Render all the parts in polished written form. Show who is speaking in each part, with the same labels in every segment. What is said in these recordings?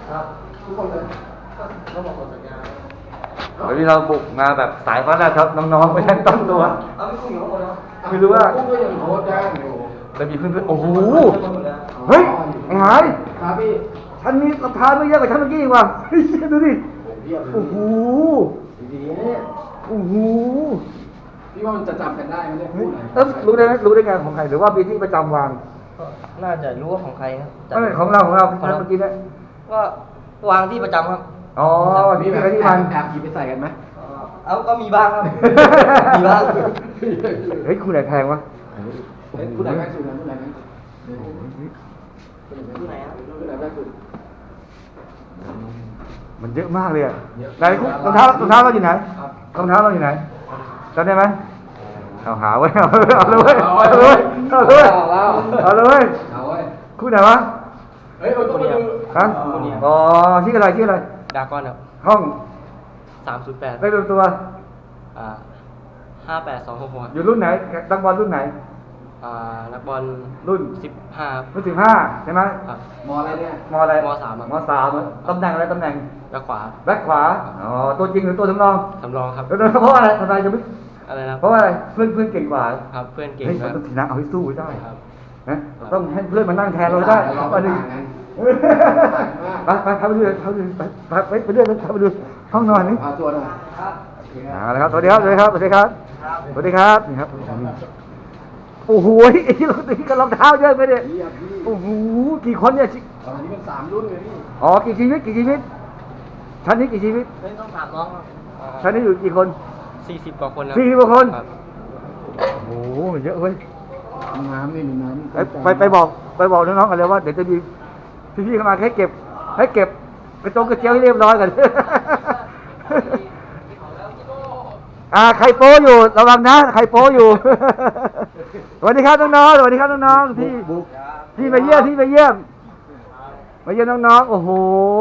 Speaker 1: ครับทุกคนเลยก็บอกหมดสัญญา
Speaker 2: วันนี้เราบุกมาแบบสายฟ้าแลบครับน้องๆไม่ทันตั้งตัว
Speaker 1: เอาไม่คุ้มอยู่ข้างบนนะ
Speaker 2: ไม่รู้ว่า
Speaker 1: คุ้มก็ยังโคตรได้อยู่
Speaker 2: จะมีเพื่อนๆโอ้โหเฮ้ยไอ้หาย
Speaker 1: ครับพี่
Speaker 2: ชั้นนี้ราคาไม่เยอะกว่าชั้นเมื่อกี้อีกว่ะเฮ้ยดูดิโอ้โห
Speaker 1: ดีๆเนี่ย
Speaker 2: โอ้โห
Speaker 1: พี่ว่ามันจะจำกันได้ไหมเนี่ยพูดไหน
Speaker 2: รู้ได้ไหมรู้ได้ไงของใครหรือว่ามีที่ประจำวาง
Speaker 3: น่าจะรู้ว่าของใครครับ
Speaker 2: ของเราชั้นเมื่อกี้เนี่ย
Speaker 3: ก็วางที่ประจำครับ
Speaker 2: อ๋อมีใครที่มัน
Speaker 1: แอบหยิบไปใส่กันไหม
Speaker 3: เอาก็มีบ้างครับมีบ้าง
Speaker 2: เฮ้ยคุณไหนแพงวะ
Speaker 1: คุณไหนแพงสุดนะคุณไหนแพงสุด
Speaker 3: ที่ไหนครับ
Speaker 1: คุณไหนแพงสุด
Speaker 2: มันเยอะมากเลยอ่ะไหนรองเท้เราอยู่ไหนรองเท้าเราอยู่ไหนจำได้ไหมเอาหาไว้เอาเลยเอาเลยคู่ไหนวะ
Speaker 1: เฮ้ยต้องมาดู
Speaker 2: ฮะอ๋อชื่ออะไร
Speaker 3: ดากอนครับ
Speaker 2: ห้อง
Speaker 3: 308
Speaker 2: ได้เป็นตัว
Speaker 3: 58266
Speaker 2: อยู่รุ่นไหนนักบอลรุ่นไหน
Speaker 3: นักบอล
Speaker 2: รุ่น
Speaker 3: 15
Speaker 2: รุ่น15ใช่ไหม
Speaker 1: มออะไรเนี่ย
Speaker 2: มอะไร
Speaker 3: ม
Speaker 2: 3ตำแหน่งอะไรตำแหน่ง
Speaker 3: แบ็คขวา
Speaker 2: อ๋อตัวจริงหรือตัวสำรอง
Speaker 3: ครับ
Speaker 2: เพราะอะไรทำไมจะไม่
Speaker 3: อะไรนะ
Speaker 2: เพราะอะไรเพื่อนเก่งกว่า
Speaker 3: ครับเพื่อนเก่ง
Speaker 2: เฮ้ยต้องชนะเอาให้สู้ได้
Speaker 3: ครับ
Speaker 2: นะต้องให้เพื่อนมานั่งแทนเราได้ไปดูไปดูไปดูห้องนอนนี่
Speaker 1: ตัวหน่อย
Speaker 2: ครับสวัสดีครับนี่ครับโอ้โหไอ้ที่เราตีกับรองเท้าเยอะไปเนี่ยโอ้โหกี่คนเนี่ย
Speaker 1: ตอนนี้เป็น3รุ่นเลยพี่
Speaker 2: อ๋อกี่ชีวิตชั้นนี้กี่ชีวิต
Speaker 3: ต้องถามน้อง
Speaker 2: ชั้นนี้อยู่กี่คน
Speaker 3: 40 กว่าคนนะ
Speaker 2: 40 กว่าคนโอ้โหเยอะเว้ย
Speaker 1: น้ำนี่มีน้ำ
Speaker 2: ไปบอกน้องๆกันเลยว่าเดี๋ยวจะมีพี่ๆเข้ามาให้เก็บกระเจียวให้เรียบร้อยกันใครโป้อยู่ระวังนะใครโป้อยู่สวัสดีครับน้องๆที่มาเยี่ยมน้องๆโอ้โห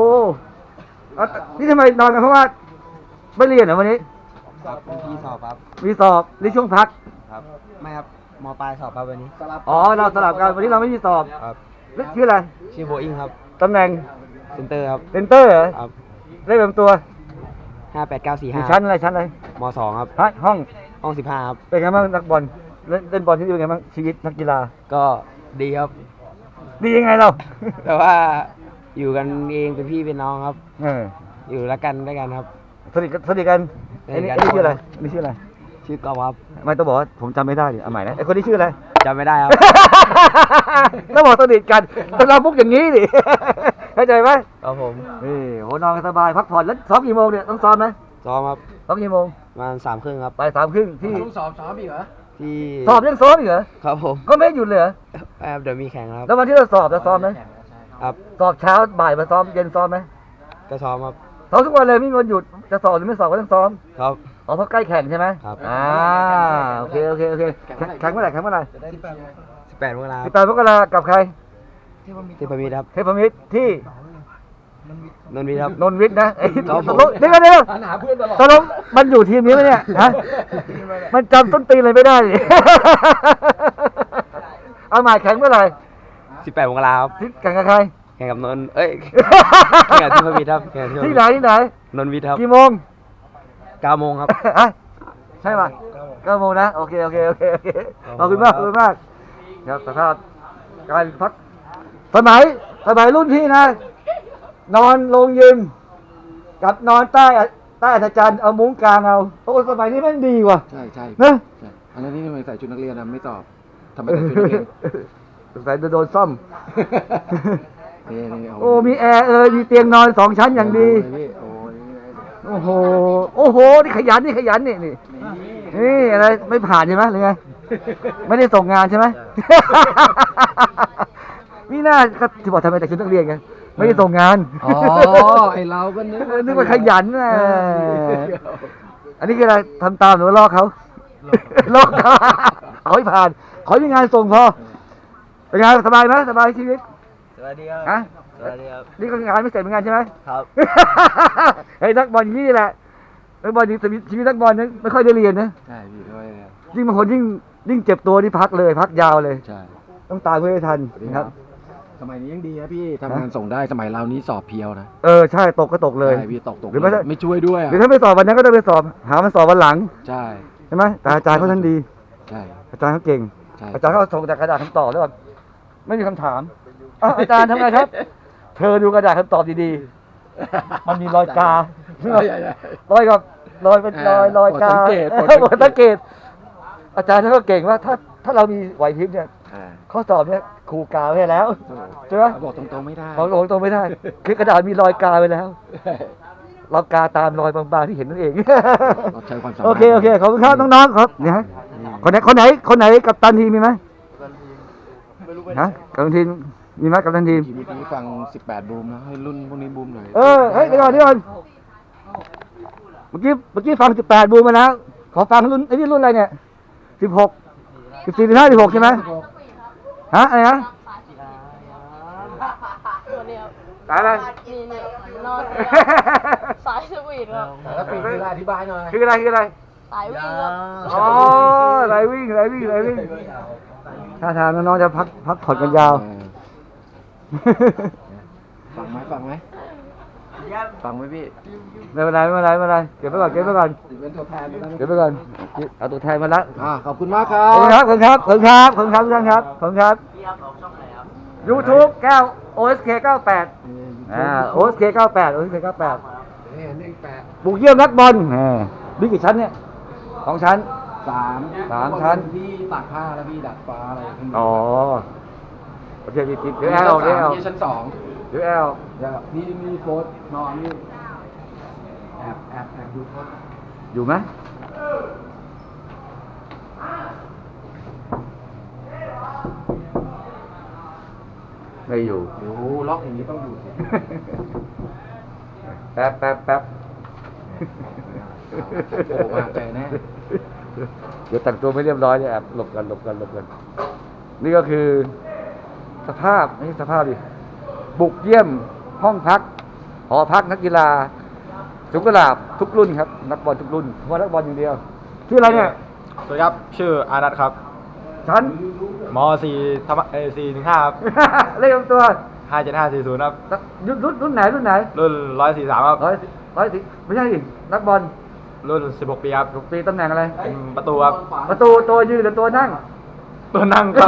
Speaker 2: นี่ทำไมนอนกันเพราะว่าไม่เรียนเหรอวันนี้
Speaker 3: ครับมีสอบครับ
Speaker 2: มีสอบในช่วงพัก
Speaker 3: ครับไม่ครับม.ปลายสอบครับวันนี้
Speaker 2: อ๋อเราสลับกันวันนี้เราไม่มีสอบ
Speaker 3: ครับ
Speaker 2: ชื่ออะไร
Speaker 3: ชื่อโบอิงครับ
Speaker 2: ตำแหน่ง
Speaker 3: เซนเตอร์ครับ
Speaker 2: เซนเตอร์เหรอ
Speaker 3: ครับ
Speaker 2: ได้เป็นตัว
Speaker 3: 58945
Speaker 2: ชั้นอะไร
Speaker 3: ม.2ครับ
Speaker 2: ห้อง
Speaker 3: 15ครับ
Speaker 2: เป็นไงบ้างนักบอลเล่นบอลที่นี่เป็นไงบ้างชีวิตนักกีฬา
Speaker 3: ก็ดีครับ
Speaker 2: ดียังไงเรา
Speaker 3: แต่ว่าอยู่กันเองเป็นพี่เป็นน้องครับอยู่รักกันด้วยกันครับ
Speaker 2: สนิทกันไอ้นี่ชื่ออะไร
Speaker 3: ชื่อกอล์ฟครับ
Speaker 2: ไม่ต้องบอกว่าผมจำไม่ได้ดิเอาใหม่นะไอ้คนนี้ชื่ออะไร
Speaker 3: จำไม่ได้ครับ
Speaker 2: ต้องบอกสนิทกันเราพุกอย่างนี้ดิเข้าใจไหม
Speaker 3: ครับผม
Speaker 2: นี่โหนอนสบายพักผ่อนแล้วซ้อมกี่โมงเนี่ยต้องซ้อมไหม
Speaker 3: ซ้อมครับ
Speaker 2: ซ้อมกี่โมง
Speaker 3: ประมาณ3:30ครับ
Speaker 2: ไป3:30ที่
Speaker 1: สอบอีกเหรอ
Speaker 3: ที่
Speaker 2: สอบยังซ้อมอีกเหรอ
Speaker 3: ครับผม
Speaker 2: ก็ไม่หยุดเลยเหรอ
Speaker 3: เดี๋ยวมีแข่งครับ
Speaker 2: แล้ววันที่เราสอบจะซ้อมไหม
Speaker 3: ครับ
Speaker 2: สอบเช้าบ่ายมาซ้อมเย็นซ้อมไหม
Speaker 3: ก็ซ้อมครับ
Speaker 2: ซ้อมทุกวันเลยไม่มีวันหยุดจะสอบหรือไม่สอบก็ต้องซ้อม
Speaker 3: ครับ
Speaker 2: เพราะใกล้แข่งใช่ไหม
Speaker 3: ครับ
Speaker 2: โอเคแข่งเมื่อไหร่
Speaker 3: 18 มกราคม
Speaker 2: 18 มกราคมกับใคร
Speaker 3: เทพมิตรครับ
Speaker 2: เทพมิตรที่
Speaker 3: นนท์วิทย์ครับ
Speaker 2: นนท์วิทย์นะเดี๋ยว
Speaker 1: หาเพื่อนตลอด
Speaker 2: ตกลงมันอยู่ทีมนี้ไหมเนี่ยฮะมันจำต้นตีเลยไม่ได้เอาหมายแข่งเมื่อไหร่
Speaker 3: 18 มกราคมครับ
Speaker 2: แข่งกับใคร
Speaker 3: แข่งกับนนท์แข่งกับเทพมิตรครับ
Speaker 2: ที่ไหน
Speaker 3: นนท์วิทย์ครับ
Speaker 2: กี่โมง
Speaker 3: 9 โมงครับ
Speaker 2: ใช่ป่ะ9 โมงนะโอเคขอบคุณมากครับสภาพการพักสมัยรุ่นพี่นะนอนลงยิมกับนอนใต้อาจารย์เอามุ้งกลางเอาโอ้สมัยนี้มันดีว่ะ
Speaker 1: ใช่
Speaker 2: นะ
Speaker 1: อันนี้ทำไมใส่ชุดนักเรียนนะไม่ตอบทำไมใส่ชุดนักเรียน
Speaker 2: ใส่โดนซ่อมโอ้มีแอร์มีเตียงนอน2 ชั้นอย่างดีโอ้โหนี่ขยันนี่อะไรไม่ผ่านใช่ไหมหรือไงไม่ได้ส่งงานใช่ไหมนี่น่าก็ที่บอกทำไมแต่ชุดนักเรียนไงไม่ได้ส่งงาน
Speaker 1: อ๋อไอเราก็
Speaker 2: นึกว่าขยันนะอันนี้คืออะไรทำตามหรือว่าลอกเขาเอาให้ผ่านขอให้มีงานส่งพอเป็นไงสบายไหมสบายชีวิต
Speaker 3: สวัสดีครับ
Speaker 2: นี่ก็งานไม่เสร็จเหมือนกันใช่ไหม
Speaker 3: ครับ
Speaker 2: ไอ้นักบอลอย่างนี้แหละนักบอลชีวิตนักบอลนั้นไม่ค่อยได้เรียนนะ
Speaker 1: ใช่พี่ด้วย
Speaker 2: ยิ่งบางคนยิ่งเจ็บตัวนี่พักยาวเลย
Speaker 1: ใช่
Speaker 2: ต้องตายเพื่อให้ทันนะครับ
Speaker 1: สมัยนี้ยังดีนะพี่ทำงานส่งได้สมัยเรานี้สอบเพียวนะ
Speaker 2: ใช่ตกก็ตกเลย
Speaker 1: ใช่พี่ตก
Speaker 2: หรือไม่
Speaker 1: เลยไม่ช่วยด้วย
Speaker 2: หรือถ้าไม่สอบวันนั้นก็ต้องไปสอบหามันสอบวันหลัง
Speaker 1: ใช่
Speaker 2: ใช่ไหมแต่อาจารย์เขาท่านดี
Speaker 1: ใช่
Speaker 2: อาจารย์เขาเก่ง
Speaker 1: ใช่
Speaker 2: อาจารย์เขาส่งแต่กระดาษคำตอบแล้วแบบไม่มีคำถามอ้าวอาจารย์ทำไงครับ เธอดูกระดาษคำตอบดีๆ มันมีรอยกา
Speaker 1: ใช่ใช่
Speaker 2: รอยกับรอยเป็นรอยกา
Speaker 1: โปรดสังเกต
Speaker 2: โปรดสังเกต อาจารย์เขาก็เก่งว่าถ้าเรามีไหวพริบเนี่ย
Speaker 1: อ่า
Speaker 2: ข้อสอบเนี่ยครูกาไว้ให้แล้วใช่ไหม
Speaker 1: บอกตรงๆไม่ได้
Speaker 2: บอกตรงไม่ได้ คือกระดาษมีรอยกาไว้แล้ว เรากาตามรอยบางๆที่เห็นนั่นเอง
Speaker 1: เราใช้ความสามารถ
Speaker 2: โอเคขอบคุณครับน้องๆครับเนี่ยฮะคนไหนกับตันทีมมีไหมฮะกับตันทีมมีไหมกับตันทีม
Speaker 1: ทีเมื่อกี้ฟัง 18 บูมนะให้รุ่นพวกนี้บูมหน่อย
Speaker 2: เฮ้ยเดี๋ยวก่อนเมื่อกี้ฟัง18บูมมาแล้วขอฟังรุ่นไอ้นี่รุ่นอะไรเนี่ย16 14 15 16ใช่ไหมฮะอะไรนะ
Speaker 4: ตัวเดียว
Speaker 2: ตายแล้ว
Speaker 4: นี่นอนสายสวีทครับ
Speaker 1: แล้วปีคืออธิบายหน่อย
Speaker 2: คืออะไร
Speaker 4: สายวิ่งครับ
Speaker 2: อ๋อไรวิ่งถ้าทางน้องๆจะพักผ่อนกันยาว
Speaker 1: ฟังไหมฟังไหมพี่
Speaker 2: ไม่เป็นไรเก็บไว้ก่อน
Speaker 1: เป็นตัวแทนแล้ว
Speaker 2: เก็บไว้ก่อนเอาตัวแทนมาละ
Speaker 1: ขอบคุณมากครั
Speaker 2: ขอบคุณครับทุกท่านครับ YouTube แก้ว OSK 98OSK 98
Speaker 1: นี่เลข
Speaker 2: บุกเยี่ยมนักบอลบิ๊กกี่ชั้นเนี่ย2 ชั้น
Speaker 1: 8
Speaker 2: สามชั้น
Speaker 1: ที่ตากผ้าแล้วพี่ดัดฟ้าอะไรขึ้น
Speaker 2: อ๋อโอเคเดี๋ยวแอล
Speaker 1: นี่ชั้น 2
Speaker 2: เดี๋ยวแอล
Speaker 1: นี่มีโค้ดนอนนี่แอบดูโค้ด
Speaker 2: อยู่ไหมไม่อยู่
Speaker 1: โอ้โหล็อกอย่างนี้ต้องอยู่สิ
Speaker 2: แป๊บ
Speaker 1: โอ้มาเจอแน่
Speaker 2: เดี๋ยวแต่งตัวไม่เรียบร้อยเนี่ยแอบหลบกัน นี่ก็คือสภาพไม่ใช่สภาพดิบุกเยี่ยมห้องพักหอพักนักกีฬาสุกลาบทุกรุ่นครับ นักบอลทุกรุ่นเพราะว่านักบอลอย่างเดียวชื่ออะไรเนี่ย
Speaker 5: สวัสดีครับ ชื่ออานัทครับ
Speaker 2: ชั้น
Speaker 5: ม .4 ธรรม415ครับ
Speaker 2: เลขตัว
Speaker 5: 57540ครับ
Speaker 2: รุ่นไหน
Speaker 5: รุ่น143ครับ
Speaker 2: ร้อยสิไม่ใช่ดินักบอล
Speaker 5: รุ่น16 ปีครับ
Speaker 2: ถูกปีตำแหน่งอะไร
Speaker 5: เป็นประตูครับ
Speaker 2: ประตูตัวยืนหรือตัวนั่ง
Speaker 5: ตัวนั่งครับ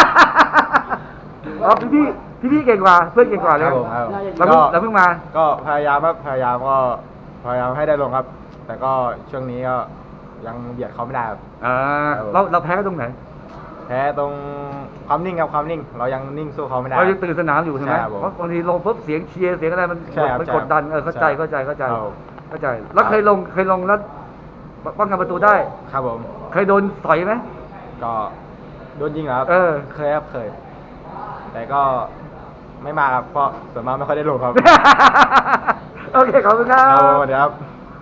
Speaker 2: อ๋อพี่เก่งกว่าเพื่อนเก่งกว่าเลย
Speaker 5: ครับผมครับ
Speaker 2: เราเพิ่งมา
Speaker 5: ก็พยายามให้ได้ลงครับ แต่ก็ช่วงนี้ก็ยังเบียดเขาไม่ได้ครับ
Speaker 2: เราแพ้กันตรงไหน
Speaker 5: แพ้ตรงความนิ่งครับความนิ่ง เรายังนิ่งสู้เขาไม่ได้
Speaker 2: เรายังตื่นสนามอยู่ใช่ไหม
Speaker 5: ใช่ครับผม
Speaker 2: เพราะบางทีลงปุ๊บเสียงเชียร์เสียงอะไรมัน
Speaker 5: ใช่ครับ
Speaker 2: มัน
Speaker 5: ใช่
Speaker 2: กดดัน
Speaker 5: ครับ
Speaker 2: เข้าใจ
Speaker 5: ครับผม
Speaker 2: แล้วเคยลงแล้วป้องกันประตูได้
Speaker 5: ครับผม
Speaker 2: เคยโดนต่อยไหม
Speaker 5: ก็โดนยิงเหรอครับ เคยครับเคย แต่ก็ไม่มาครับเพราะส่วนมากไม่ค่อยได้ลงครับ
Speaker 2: โอเคขอบคุณครั
Speaker 5: ครับ
Speaker 2: บ
Speaker 5: สวัสดีครับ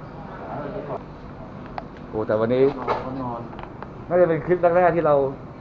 Speaker 2: โอ้แต่วันนี้น่าจะเป็นคลิปแรกๆที่เรา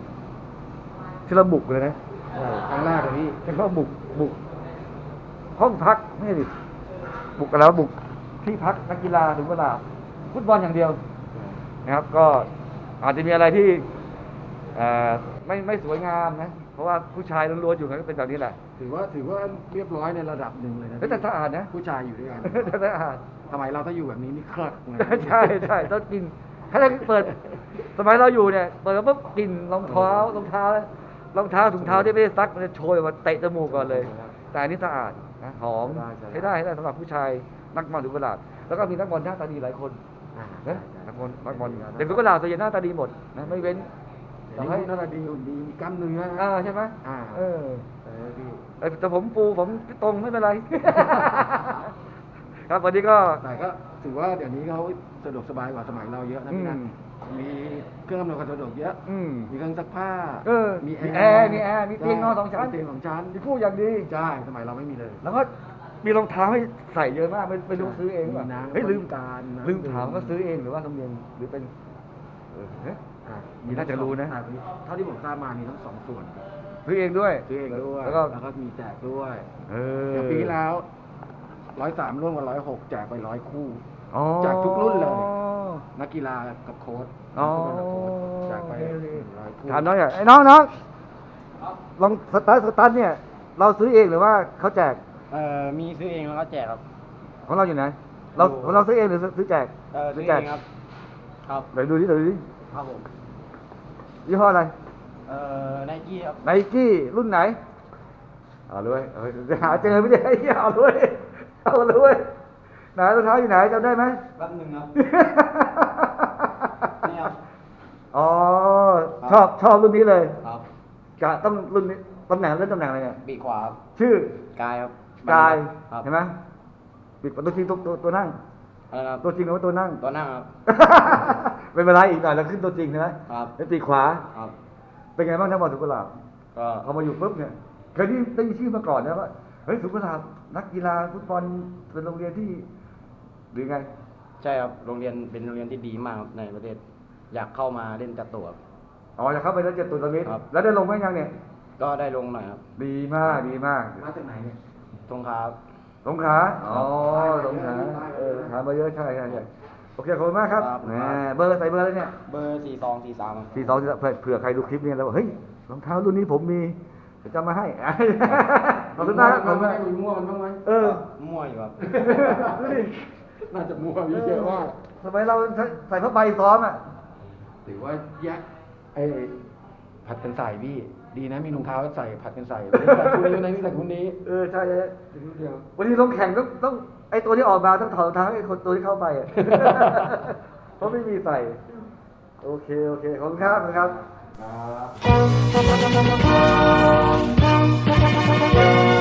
Speaker 2: บุกเลยนะ
Speaker 1: ครั้งแรกเลยพี่
Speaker 2: ใช่ก็บุกห้องพักไม่ใช่ดิบุกกันแล้วบุกที่พักนักกีฬาถึงเวลาฟุตบอลอย่างเดียวนะครับ ก็อาจจะมีอะไรที่ไม่สวยงามนะ เพราะว่าผู้ชายล้วนๆอยู่กันก็เป็นแบบนี้แหละ
Speaker 1: ถือว่าเรียบร้อยในระดับหนึ่งเลยนะ
Speaker 2: แต่สะอาดนะ
Speaker 1: ผู้ชายอยู่ด้วยกัน
Speaker 2: แต่สะอาด
Speaker 1: สมัยเราถ้าอยู่แบบนี้นี่คลักนะ
Speaker 2: ใช่ต้องกินถ้าเราเปิดสมัยเราอยู่เนี่ยเปิดปุ๊บกลิ่นรองเท้าถุงเท้าที่ไม่ได้ซักมันจะโชยออกมาเตะจมูกก่อนเลย แต่อันนี้สะอาดนะหอมใช้ได้สำหรับผู้ชายนักบอลถึงเวลาแล้วก็มีนักบอลหน้าตาดีหลายคนนะนักบอลเด็กทุกเวลาส่วนใหญ่หน้าตาดีหมดนะไม่เว้น
Speaker 1: แต่ให้หน้าตาดีหุ่นดีมีกล้ามเนื้อ
Speaker 2: ใช่ไหม
Speaker 1: พี่
Speaker 2: แต่ผมตรงไม่เป็นไร ครับวันนี้ก็
Speaker 1: แต่ก็ถือว่าเดี๋ยวนี้เขาสะดวกสบายกว่าสมัยเราเยอะนะพี่นะมีเครื่องอำนวยความสะดวกเยอะ มีเครื่องซักผ้า
Speaker 2: มีแอร์มีเตียงนอน2 ชั้น
Speaker 1: เตียง2 ชั้น
Speaker 2: มีผู้อย่างดี
Speaker 1: ใช่สมัยเราไม่มีเลย
Speaker 2: แล้วก็มีรองเท้าให้ใส่เยอะมากไม่รู้ซื้อเองป่ะ
Speaker 1: มีน้ำ
Speaker 2: เฮ้ยลืม
Speaker 1: การน้ำ
Speaker 2: ลืมถามว่าซื้อเองหรือว่าธรรมเนียมหรือเป็นมีน่าจะรู้นะ
Speaker 1: เท่าที่ผมทราบมามีทั้ง2 ส่วน
Speaker 2: ซื้อเองด้วย
Speaker 1: ซื้อเองด้วย
Speaker 2: แล้วก็
Speaker 1: มีแจกด้วย
Speaker 2: เอ
Speaker 1: อย่างปีที่แล้ว103ร่วมกับ106แจกไป100 คู่
Speaker 2: อ๋อ
Speaker 1: แจกทุกรุ่นเลย นักกีฬากับโค้ช
Speaker 2: อ๋อ
Speaker 1: นักฟุตบอลกับโค้ชแจกไป100 คู่
Speaker 2: ถามน้องอย่างไอ้น้องลองสตาร์ทเนี่ยเราซื้อเองหรือว่าเขาแจก
Speaker 5: มีซื้อเองแล้วก็แจกครับ
Speaker 2: ของเราอยู่ไหนเราของเราซื้อเองหรือซื้อแจก
Speaker 5: ซื้อ
Speaker 2: แจ
Speaker 5: เอก งครับ ครับ
Speaker 2: ไหนดูดิไหนดูดิ
Speaker 5: ครับผม
Speaker 2: ยี่ห้ออะไร
Speaker 5: ไนกี้ครับ
Speaker 2: ไนกี้รุ่นไหนเอาเลยจะหาเจอไม่ได้เอาเลยเอาเลยไหนรองเท้าอยู่ไหนจำได้ไหม
Speaker 5: แป๊บหนึงครับ นี่ครับ
Speaker 2: อ๋อชอบรุ่นนี้เลย
Speaker 5: ครับ
Speaker 2: กะต้องรุ่นนี้ตำแหน่งเล่นตำแหน่งอะไรเนี่ย
Speaker 5: ปีกขวาครับ
Speaker 2: ชื่อก
Speaker 5: ายครับ
Speaker 2: กาย
Speaker 5: ครับ
Speaker 2: เห็นไหมปิดตัวจริงตัวนั่ง
Speaker 5: อะไรนะครับ
Speaker 2: ตัวจริงหรือว่าตัวนั่ง
Speaker 5: ตัวนั่งครับ
Speaker 2: เป็นเวลาอีกหน่อยแล้วขึ้นตัวจริงใช่ไหม
Speaker 5: ครับ
Speaker 2: เป็นปีกขวา
Speaker 5: ครับ
Speaker 2: เป็นไงบ้างทั้งหมดสุกุหลาบ
Speaker 5: ก็
Speaker 2: พอมาอยู่ปุ๊บเนี่ยเคยได้ยินชื่อมาก่อนนะว่าเฮ้ยสุกุหลาบนักกีฬาฟุตบอลเป็นโรงเรียนที่หรือไง
Speaker 5: ใช่ครับ โรงเรียนเป็นโรงเรียนที่ดีมากครับในประเทศ อยากเข้ามาเล่นจัดตัวครับ
Speaker 2: อ๋อจะเข้าไปแล้วจะตุนตรงนี้
Speaker 5: ครับ
Speaker 2: แล้วได้ลงไหมยังเนี่ย
Speaker 5: ก็ได้ลงหน่อยครับ
Speaker 2: ดีมากดีมาก
Speaker 1: มาจากไหนเนี่ย
Speaker 5: ตรงครับ
Speaker 2: สงขลาอ๋อสงขลาถามมาเยอะใช่โอเคขอบคุณมากครับ
Speaker 5: ครับ
Speaker 2: แหมเบอร์ใส่เบอร์แล้วเนี่ย
Speaker 5: เบอร์4243ครับ
Speaker 2: 42เผื่อใครดูคลิปนี้แล้วบอกเฮ้ยรองเท้ารุ่นนี้ผมมีเดี๋ยวจะมาให้ ขอบคุณมากขอบคุณ
Speaker 1: ไม่
Speaker 2: มาก
Speaker 1: ได้มีมั่วมันบ้างไหม
Speaker 5: มั่วอยู่ครับ
Speaker 2: ดูดิ
Speaker 1: น่าจะมั่วมีเยอะมาก
Speaker 2: สมัยเราใส่ผ้าใบซ้อมอ่ะ
Speaker 1: หรือว่าแยกผัดกันใส่พี่ ดีนะมีรองเท้าใส่ผัดกันใส่ไม่ใส่คู่นี้วันนี้ใส่คู่นี้
Speaker 2: ใช่
Speaker 1: ถึงเดียว
Speaker 2: วันนี้ลงแข่งต้องไอตัวที่ออกมาต้องถอดรองเท้าให้คนตัวที่เข้าไปอ่ะ เพราะไม่มีใส่ โอเคขอบคุณครับขอบคุณครับ
Speaker 1: ครับ